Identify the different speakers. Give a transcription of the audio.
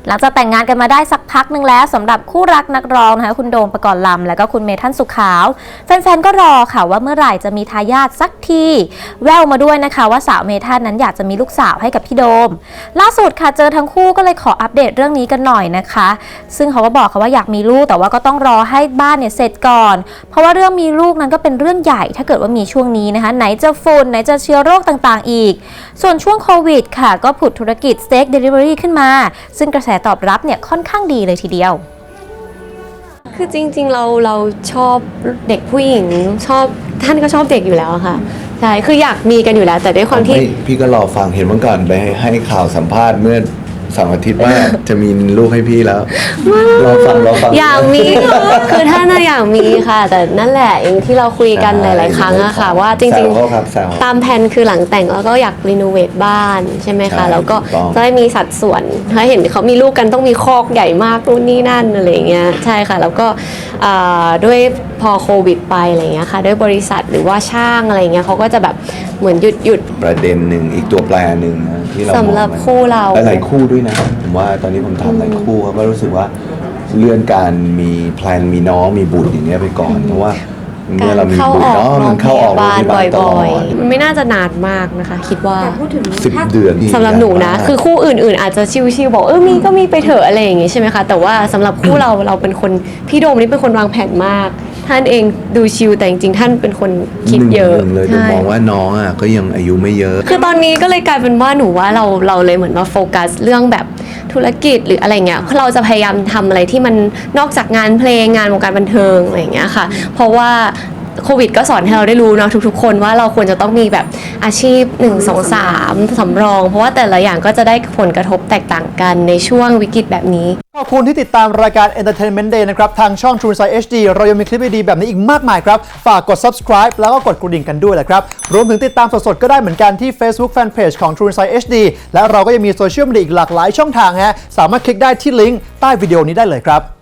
Speaker 1: หลังจากแต่งงานกันมาได้สักพักหนึ่งแล้วสำหรับคู่รักนักร้องนะคะคุณโดมปกรณ์ลำและก็คุณเมธั่นสุขขาวแฟนๆก็รอค่ะว่าเมื่อไหร่จะมีทายาทสักทีแววมาด้วยนะคะว่าสาวเมธั่นนั้นอยากจะมีลูกสาวให้กับพี่โดมล่าสุดค่ะเจอทั้งคู่ก็เลยขออัปเดตเรื่องนี้กันหน่อยนะคะซึ่งเขาก็บอกค่ะว่าอยากมีลูกแต่ว่าก็ต้องรอให้บ้านเนี่ยเสร็จก่อนเพราะว่าเรื่องมีลูกนั้นก็เป็นเรื่องใหญ่ถ้าเกิดว่ามีช่วงนี้นะคะไหนจะฝุ่นไหนจะเชื้อโรคต่างๆอีกส่วนช่วงโควิดค่ะก็ผุดธุรกิจสเต็กเดลิเวอรี่ขึ้นมาซึ่งกระแสตอบรับเนี่ยค่อนข้างดีเลยทีเดียว
Speaker 2: คือจริงๆเราชอบเด็กผู้หญิงชอบท่านก็ชอบเด็กอยู่แล้วค่ะใช่คืออยากมีกันอยู่แล้วแต่ด้วยความที่
Speaker 3: พี่ก็รอฟังเห็นเมื่อก่อนไปให้ข่าวสัมภาษณ์เมื่อ2 อาทิตย์ว่า จะมีลูกให้พี่แล้วรอฟัง
Speaker 2: อยากมีคือท่านน่ะอยากมีค่ะแต่นั่นแหละอย่างที่เราคุยกันหลายๆครั้งอะค่ะว่าจริงๆตามแผนคือหลังแต่งแล้วก็อยากรีโนเวทบ้านใช่ไหมคะแล้วก็จะได้มีสัดส่วนถ้าเห็นเขามีลูกกันต้องมีคอกใหญ่มากนู่นนี่นั่นอะไรเงี้ยใช่ค่ะแล้วก็ด้วยพอโควิดไปอะไรเงี้ยค่ะด้วยบริษัทหรือว่าช่างอะไรเงี้ยเขาก็จะแบบเหมือนหยุด
Speaker 3: ประเด็นหนึ่งอีกตัวแปรหนึ่งที่เรา
Speaker 2: สำหรับคู่เรา
Speaker 3: หลายคู่ด้วยนะผมว่าตอนนี้ผมถามหลายคู่เขาก็รู้สึกว่าเลื่อนการมีแพลนมีน้องมีบุตรอย่างเงี้ยไปก่อนเพราะว่าเมื่อเรามีบุตรมันเข้าออกโรงพยาบาลตลอด
Speaker 2: มันไม่น่าจะนานมากนะคะคิดว่า
Speaker 3: 10 เดือน
Speaker 2: สำหรับหนูนะคือคู่อื่นๆอาจจะชิวๆบอกมีก็มีไปเถอะอะไรอย่างงี้ใช่ไหมคะแต่ว่าสำหรับคู่เราเป็นคนพี่โดมนี่เป็นคนวางแผนมากท่านเองดูชิลแต่จริงๆท่านเป็นคนคิดเยอะ
Speaker 3: เลยมองว่าน้องอ่ะก็ยังอายุไม่เยอะ
Speaker 2: คือตอนนี้ก็เลยกลายเป็นว่าหนูว่าเราเลยเหมือนมาโฟกัสเรื่องแบบธุรกิจหรืออะไรเงี้ยเราจะพยายามทำอะไรที่มันนอกจากงานเพลงงานวงการบันเทิงอะไรอย่างเงี้ยค่ะเพราะว่าโควิดก็สอนให้เราได้รู้เนาะทุกๆคนว่าเราควรจะต้องมีแบบอาชีพ1 2 3สำรองเพราะว่าแต่ละอย่างก็จะได้ผลกระทบแตกต่างกันในช่วงวิกฤตแบบนี้
Speaker 4: ขอบคุณที่ติดตามรายการ Entertainment Day นะครับทางช่อง True Insight HD เรายังมีคลิปดีๆแบบนี้อีกมากมายครับฝากกด subscribe แล้วก็กดกระดิ่งกันด้วยแหละครับรวมถึงติดตามสดๆก็ได้เหมือนกันที่ Facebook Fanpage ของ True Insight HD และเราก็ยังมีโซเชียลมีเดียอีกหลากหลายช่องทางฮะสามารถคลิกได้ที่ลิงก์ใต้วิดีโอนี้ได้เลยครับ